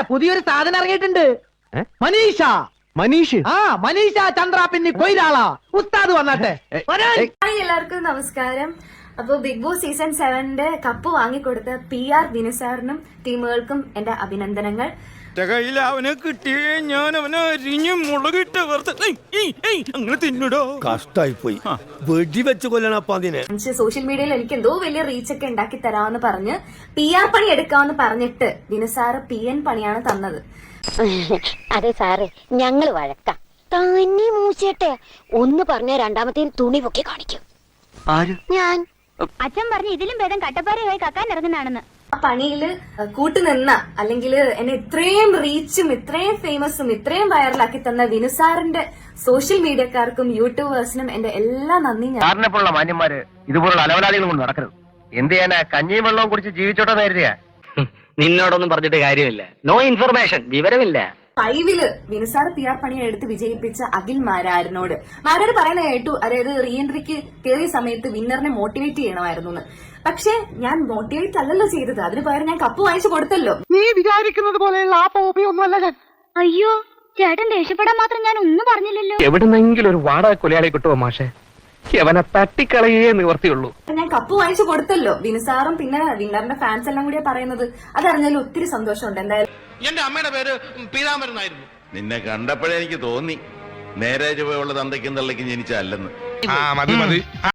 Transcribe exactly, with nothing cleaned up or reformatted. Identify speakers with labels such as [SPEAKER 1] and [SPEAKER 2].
[SPEAKER 1] പുതിയൊരു സാധനം ഇറങ്ങിയിട്ടുണ്ട്. മനീഷ
[SPEAKER 2] മനീഷ്
[SPEAKER 1] ആ മനീഷ ചന്ദ്ര പിന്നെ കൊയിലാളാ ഉസ്താദ് വന്നാട്ടെ.
[SPEAKER 3] ഹായ് എല്ലാവർക്കും നമസ്കാരം. അപ്പൊ ബിഗ് ബോസ് സീസൺ സെവന്റെ കപ്പ് വാങ്ങിക്കൊടുത്ത പി ആർ വിനുസാറിനും ടീമുകൾക്കും എന്റെ അഭിനന്ദനങ്ങൾ.
[SPEAKER 4] കയ്യിൽ അവനെ കിട്ടിയേ ഞാൻ അവനെ അരിഞ്ഞു മുളകിട്ട് അങ്ങനെ തിന്നിടോ.
[SPEAKER 5] കഷ്ടായി പോയി വെടിവെച്ച് കൊല്ലണപ്പ അതിനെ.
[SPEAKER 3] സോഷ്യൽ മീഡിയയിൽ എനിക്ക് എന്തോ വലിയ റീച്ച് ഒക്കെ ഉണ്ടാക്കി തരാമെന്ന് പറഞ്ഞ് പി ആർ പണി എടുക്കാമെന്ന് പറഞ്ഞിട്ട് വിനുസാറ് പി എൻ പണിയാണ് തന്നത്.
[SPEAKER 6] അതെ സാറേ, ഞങ്ങള് വഴക്കാം. തന്നെ മൂച്ചേട്ടെ ഒന്ന് പറഞ്ഞ രണ്ടാമത്തെ തുണി പൊക്കി കാണിക്കും. ഞാൻ അച്ഛൻ പറഞ്ഞു ഇതിലും ഭേദം കട്ടപ്പാറയായി കക്കാൻ ഇറങ്ങുന്നതാണെന്ന്.
[SPEAKER 3] ആ പണിയില് കൂട്ടുനിന്ന അല്ലെങ്കിൽ എന്നെ ഇത്രയും റീച്ചും ഇത്രയും ഫേമസും ഇത്രയും വൈറലാക്കി തന്ന വിനുസാറിന്റെ സോഷ്യൽ മീഡിയക്കാർക്കും യൂട്യൂബേഴ്സിനും എന്റെ എല്ലാ നന്ദി.
[SPEAKER 2] സാറിനെപ്പോലുള്ള മാന്യന്മാര് ഇതുപോലുള്ള അലവലാളികളും കൊണ്ട് നടക്കരുത്. എന്ത് ചെയ്യാനാ? കഞ്ഞിയും വെള്ളവും കുടിച്ച് ജീവിച്ചോട്ടെ നേരിയ. നിന്നോടൊന്നും പറഞ്ഞിട്ട് കാര്യമില്ല. നോ ഇൻഫർമേഷൻ, വിവരമില്ല.
[SPEAKER 3] ഫൈവില് വിനുസാർ പി ആർ പണിയെ എടുത്ത് വിജയിപ്പിച്ച അഖിൽ മാരാരനോട് മാരാര് പറയുന്ന കേട്ടു, അതായത് റീ എൻട്രിക്ക് കയറിയ സമയത്ത് വിന്നറിനെ മോട്ടിവേറ്റ് ചെയ്യണമായിരുന്നു എന്ന്. പക്ഷെ ഞാൻ മോട്ടിവേറ്റ് അല്ലല്ലോ ചെയ്തത്, അതിന് പകരം ഞാൻ കപ്പ് വാങ്ങിച്ചു കൊടുത്തല്ലോ.
[SPEAKER 1] നീ വിചാരിക്കുന്നത് പോലെയുള്ള ആ പോപ്പിയൊന്നുമല്ല ഞാൻ.
[SPEAKER 6] അയ്യോ ചേട്ടൻ ദേഷ്യപ്പെടാൻ മാത്രം ഞാൻ ഒന്നും പറഞ്ഞില്ലല്ലോ.
[SPEAKER 2] എവിടുന്നെങ്കിലും ഒരു വാടക കൊലയാളി കിട്ടുമോ മാഷെ? അവനെ തട്ടിക്കളയേ നിവർത്തിയുള്ളൂ.
[SPEAKER 3] ഞാൻ കപ്പ് വാങ്ങിച്ചു കൊടുത്തല്ലോ. വിനുസാറും പിന്നെ വിന്നറിന്റെ ഫാൻസ് എല്ലാം കൂടിയാ പറയുന്നത്. അതറിഞ്ഞാലും ഒത്തിരി സന്തോഷമുണ്ട്. എന്തായാലും
[SPEAKER 4] എന്റെ അമ്മയുടെ പേര് പീതാമരനായിരുന്നു.
[SPEAKER 7] നിന്നെ കണ്ടപ്പോഴേ എനിക്ക് തോന്നി നേരെ ചുവയുള്ള തന്തയ്ക്കും തള്ളയ്ക്കും ജനിച്ചല്ലെന്ന്.
[SPEAKER 4] മതി മതി